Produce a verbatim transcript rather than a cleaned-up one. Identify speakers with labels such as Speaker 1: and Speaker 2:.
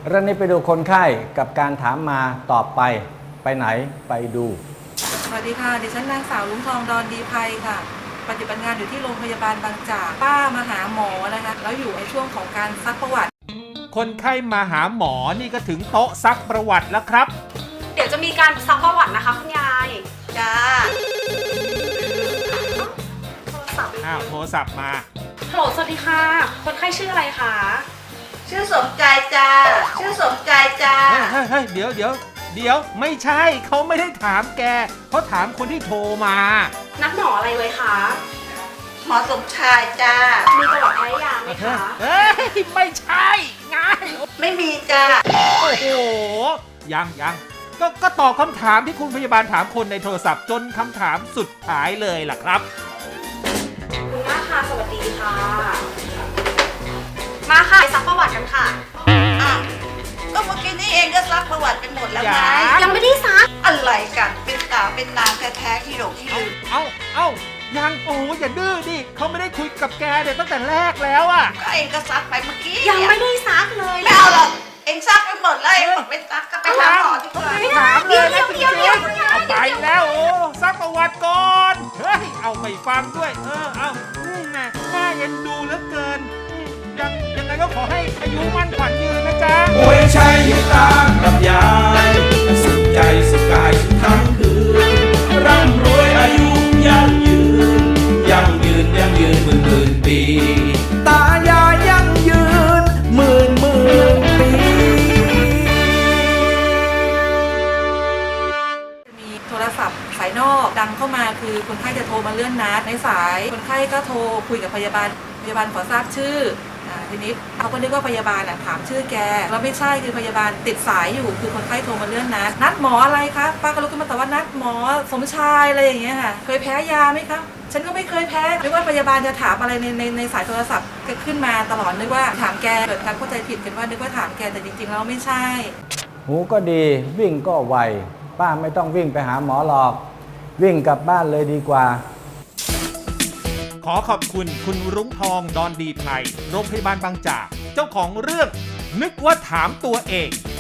Speaker 1: เรื่องนี้ไปดูคนไข้กับการถามมาตอบไปไปไหนไปดู
Speaker 2: สวัสดีค่ะดิฉันนางสาวลุงทองดอนดีไพค่ะปฏิบัติงานอยู่ที่โรงพยาบาลบางจากป้ามาหาหมอนะคะแล้วอยู่ในช่วงของการซักประวัติ
Speaker 3: คนไข้มาหาหมอนี่ก็ถึงโต๊ะซักประวัติแล้วครับ
Speaker 4: เดี๋ยวจะมีการซักประวัตินะคะคุณยาย
Speaker 2: จ้า
Speaker 4: โทรศัพท์
Speaker 3: อ้าวโทรศัพท์มา
Speaker 4: ฮัลโหลสวัสดีค่ะคนไข้ชื่ออะไรคะ
Speaker 2: ชื่อสมใจจ้าชื่อสมใจจ้า
Speaker 3: เฮ้ยเฮ้ยเดี๋ยวเดี๋ยวเดี๋ยวไม่ใช่เขาไม่ได้ถามแกเขาถามคนที่โทรมา
Speaker 4: นัดหมออะไรไว้คะ
Speaker 2: หมอสมชายจ้า
Speaker 4: มีประวัติแพ้ยาไหมคะ
Speaker 3: เฮ้ยไม่ใช่ไง
Speaker 2: ไม่มีจ้า
Speaker 3: โอ้โหยังยังก็ก็ตอบคำถามที่คุณพยาบาลถามคนในโทรศัพท์จนคำถามสุดท้ายเลยล่ะครับ
Speaker 4: คุณย่าค่ะสวัสดีค่ะมาค่ะซักประวัติกันค่ะ
Speaker 2: อ้าวก็เมื่อกี้นี่เองก็ซักประวัติกันหมดแล้วไง
Speaker 4: ยังไม่ได้ซัก
Speaker 2: อะไรกันเป็นสาวเป็นนางแท้ๆที่หลงที่ลืม
Speaker 3: เอ้าเอ้ายังโอ้อย่าดื้อดิเขาไม่ได้คุยกับแกเดี๋ยวตั้งแต่แรกแล้วอ่ะ
Speaker 2: ก็เองก็ซักไปเมื่อกี้
Speaker 4: ยังไม่ได้ซักเลย
Speaker 2: ไม่เอาหรอกเองซักไปหมดแล้วเองบอกไม่ซักก็ไปถามหมอดีกว่า
Speaker 3: ไม่ถามเลยนะจริงๆเอาไปแล้วโอ้ซักประวัติก่อนเฮ้ยเอาไม่ฟังด้วยเออเอาแม่น่าเอ็นดูเหลือเกินยังยังไงก็ขอให้อายุมั่นขวัญยืนนะจ๊ะ
Speaker 5: โอ้ยใช่ให้ตากับยายสุขใจสุขกายสุขทั้งคืนร่ำรวยอายุยั่งยืนยั่งยืนยั่งยืนหมื่นหมื่นปีตายายยั่งยืนหมื่นหมื่นปี
Speaker 2: มีโทรศัพท์สายนอกดังเข้ามาคือคนไข้จะโทรมาเลื่อนนัดในสายคนไข้ก็โทรคุยกับพยาบาลพยาบาลขอทราบชื่อทีนี้เขาก็นึกว่าพยาบาลถามชื่อแกแล้วไม่ใช่คือพยาบาลติดสายอยู่คือคนไข้โทรมาเลื่อนนัดนัดหมออะไรคะป้าก็ลุกขึ้นมาตอบว่านัดหมอสมชายอะไรอย่างเงี้ยค่ะเคยแพ้ยาไหมคะฉันก็ไม่เคยแพ้นึกว่าพยาบาลจะถามอะไรในในในสายโทรศัพท์ก็ขึ้นมาตลอดนึกว่าถามแกเกิดการเข้าใจผิดกันว่านึกว่าถามแกแต่จริงๆแล้วไม่ใช่
Speaker 1: หูก็ดีวิ่งก็ไวป้าไม่ต้องวิ่งไปหาหมอหรอกวิ่งกลับบ้านเลยดีกว่า
Speaker 3: ขอขอบคุณคุณรุ้งทองดอนดีไพรโรงพยาบาลบางจากเจ้าของเรื่องนึกว่าถามตัวเอง